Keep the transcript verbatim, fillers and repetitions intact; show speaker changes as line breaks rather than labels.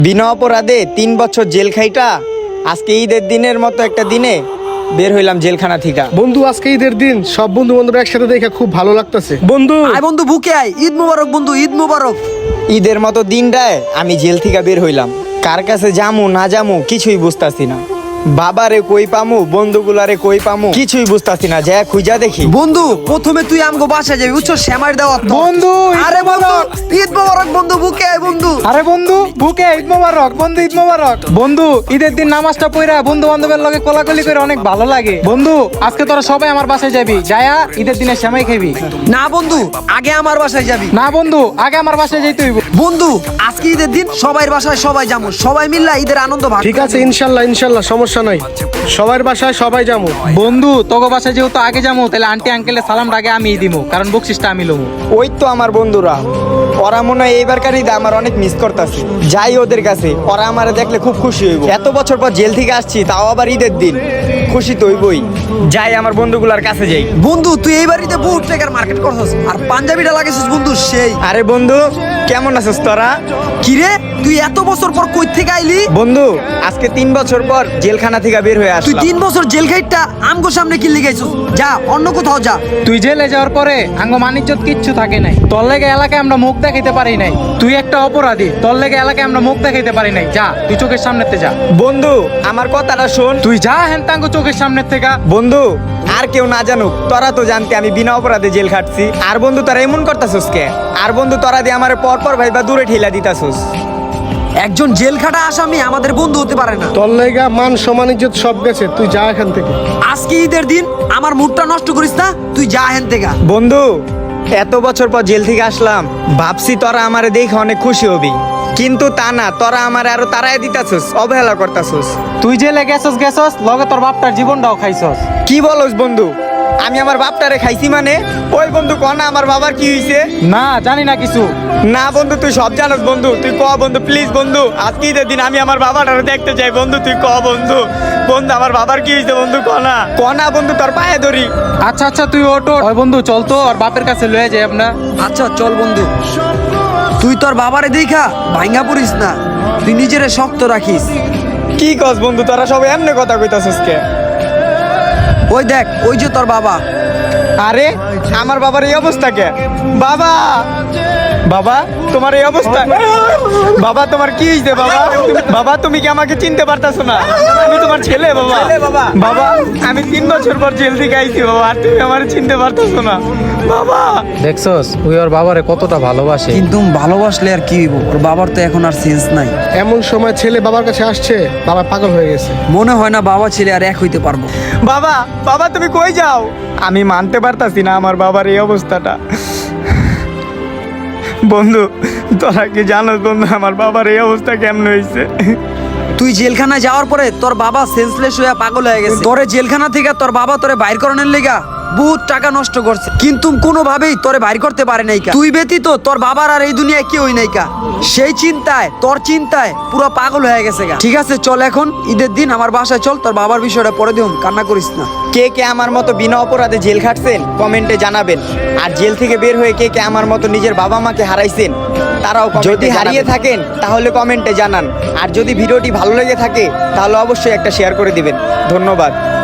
বিনা অপরাধে তিন বছর জেল খাইটা আজকে ঈদের দিনের মতো একটা দিনে বের হইলাম জেলখানা থেকে।
বন্ধু আজকে ঈদের দিন, সব বন্ধু বান্ধব একসাথে দেখে খুব ভালো লাগতেছে। বন্ধু
আয় বন্ধু বুকে আয়, ঈদ মুবারক বন্ধু, ঈদ মুবারক।
ঈদের মতো দিনটায় আমি জেল থেকে বের হইলাম, কার কাছে যামু না যামু কিছুই বুঝতাছি না। বাবারে কই পামু, বন্ধুগুলারে কই পামু কিছুই বুঝতাছি না। যা খুঁজা দেখি।
বন্ধু প্রথমে তুই আমগো বাসায় যাবি, বুঝছো, শ্যামার দেওয়া
বন্ধু
আরে বন্ধু ঈদ মুবারক বন্ধু, বুকে আয় বন্ধু।
আরে বন্ধু বুকে ঈদ মোবারক, বন্ধু ঈদ মোবারক। বন্ধু ঈদের দিন নামাজটা পড়া বন্ধু বান্ধবের লগে কোলাকুলি করে অনেক ভালো লাগে। বন্ধু আজকে তোরা সবাই আমার বাসায় যাবি, যায়া ঈদের দিনে সেমাই খাবি।
না বন্ধু আগে আমার বাসায় যাবি।
না বন্ধু আগে আমার বাসায় যাইতে হইব।
বন্ধু আজকে ঈদের দিন সবাই বাসায় সবাই যাবো, সবাই মিললে ঈদের আনন্দ ভাগ।
ঠিক আছে, ইনশাল্লাহ ইনশাল্লাহ সমস্যা নাই, সবার বাসায় সবাই যাবো।
বন্ধু তোকে বাসায় যেহেতু আগে যাবো, তাহলে আন্টি আঙ্কেলের সালামটা আগে আমি দিমু, কারণ বকশিসটা আমি লমু।
ওই তো আমার বন্ধুরা, ওরা মনে হয় এইবারকার ঈদে আমার অনেক মিস করতেছে। যাই ওদের কাছে, ওরা আমার দেখলে খুব খুশি হইব। এত বছর পর জেল থেকে আসছি, তাও আবার ঈদের দিন, খুশি তো হইবই। যাই আমার বন্ধুগুলার কাছে যাই।
বন্ধু তুই এই বাড়িতে বহুত টাকার মার্কেট করছিস, আর পাঞ্জাবিটা লাগাইছিস বন্ধু সেই।
আরে বন্ধু কেমন আছিস তোরা?
কিরে তুই এত বছর পর কই থেকে আইলি?
বন্ধু আজকে তিন বছর পর জেলখানা থেকে বের হয়ে
তুই
আসলাম।
তিন বছর জেল খাইটটা আমগো সামনে কি লিগাইছিস? যা অন্য কোথাও যা।
তুই জেলে যাওয়ার পরে আঙ্গ মানিজ্জত কিচ্ছু থাকে নাই। তোর লেগে এলাকায় আমরা মুখ দেখাইতে পারি নাই। তুই একটা অপরাধী, তোর লেগে এলাকায় আমরা মুখ দেখাইতে পারি নাই। যা তুই চোখের সামনেতে যা।
বন্ধু আমার কথাটা শোন।
তুই যা হেন তাঙ্গ চোখের সামনের থেকে।
বন্ধু আর কেউ না জানুক, তোরা তো জানতে আমি বিনা অপরাধে জেল খাটছি। আর বন্ধু তোরা এমন করতাছস কে? আর বন্ধু তোরা দিয়ে আমার পর পর ভাইবা দূরে ঠেলা দিতাছস।
একজন জেল খাটা আসামি আমাদের বন্ধু হতে পারে না।
তোর লাইগা মান সম্মান ইজ্জত সব গেছে, তুই যা এখান থেকে।
আজকে ঈদের দিন আমার মুডটা নষ্ট করিস না, তুই যা হেন থেকে।
বন্ধু এত বছর পর জেল থেকে আসলাম, ভাবছি তোরা আমারে দেখে অনেক খুশি হবি, কিন্তু তা না, তোরা আমারে আরো তাড়াই দিতাছস, অবহেলা করতাছস।
তুই জেলে গেছস গেছস, লগে তোর বাপটার জীবনটাও খাইছস।
কি বলস বন্ধু? আমি আমার বাপটারে খাইছি মানে? ওই বন্ধু ক না আমার বাবার কি হইছে?
না জানি না কিছু।
না বন্ধু তুই সব জানোস বন্ধু, তুই ক বন্ধু প্লিজ বন্ধু, আজকে ঈদের দিন আমি আমার বাবাটারে দেখতে চাই বন্ধু, তুই ক বন্ধু। বন্ধু আমার বাবার কি হইছে বন্ধু, ক না ক না বন্ধু, তোর পায়ে ধরি।
আচ্ছা আচ্ছা তুই ওটো। ওই বন্ধু চল তো, আর বাপের কাছে লয়ে যাই আমরা।
আচ্ছা চল বন্ধু। তুই তোর বাবারে দেখা ভাঙ্গা পড়িস না, তুই নিজেরে শক্ত রাখিস।
কি কস বন্ধু, তোরা সবাই এমনি কথা কইতাছস কে?
ওই দেখ ওই যে তোর বাবা।
আরে আমার বাবার এই অবস্থা কে? বাবা বাবা তোমার এই অবস্থা? বাবা তোমার কি হইছে বাবা? বাবা তুমি কি আমাকে চিনতে পারতাছো না? আমি তোমার ছেলে বাবা। বাবা আমি তিন বছর পর জেল থেকে আইছি বাবা, আর তুমি আমার চিনতে পারতাছো না বাবা।
দেখছস ওই ওর বাবারে কতটা ভালোবাসে।
কিন্তু ভালোবাসলে আর কি হইব, ওর বাবার তো এখন আর সেন্স নাই।
এমন সময় ছেলে বাবার কাছে আসছে, বাবা পাগল হয়ে গেছে।
মনে হয় না বাবা ছেলে আর এক হইতে পারবো।
বাবা বাবা তুমি কই যাও? আমি মানতে পারতাছি না আমার বাবার এই অবস্থাটা। বন্ধু তোরা কি জানোস বন্ধু আমার বাবার এই অবস্থা কেমন হয়েছে?
তুই জেলখানায় যাওয়ার পরে তোর বাবা সেন্সলেস হয়ে পাগল হয়ে গেছে। তোরে জেলখানা থেকে তোর বাবা তোরে বাইর করানোর লেগা বহুত টাকা নষ্ট করছে, কিন্তু কোনোভাবেই তোরে বাইর করতে পারে নাই। তুই ব্যতীত তোর বাবার আর এই দুনিয়ায় কেউই নাই কা। সেই চিন্তায় তোর চিন্তায় পুরো পাগল হয়ে গেছে গা। ঠিক আছে চল এখন ঈদের দিন আমার বাসায় চল, তোর বাবার বিষয়টা পরে দিও, কান্না করিস না।
কে কে আমার মতো বিনা অপরাধে জেল খাটছেন কমেন্টে জানাবেন। আর জেল থেকে বের হয়ে কে কে আমার মতো নিজের বাবা মাকে হারাইছেন তারাও যদি হারিয়ে থাকেন তাহলে কমেন্টে জানান। আর যদি ভিডিওটি ভালো লেগে থাকে তাহলে অবশ্যই একটা শেয়ার করে দিবেন। ধন্যবাদ।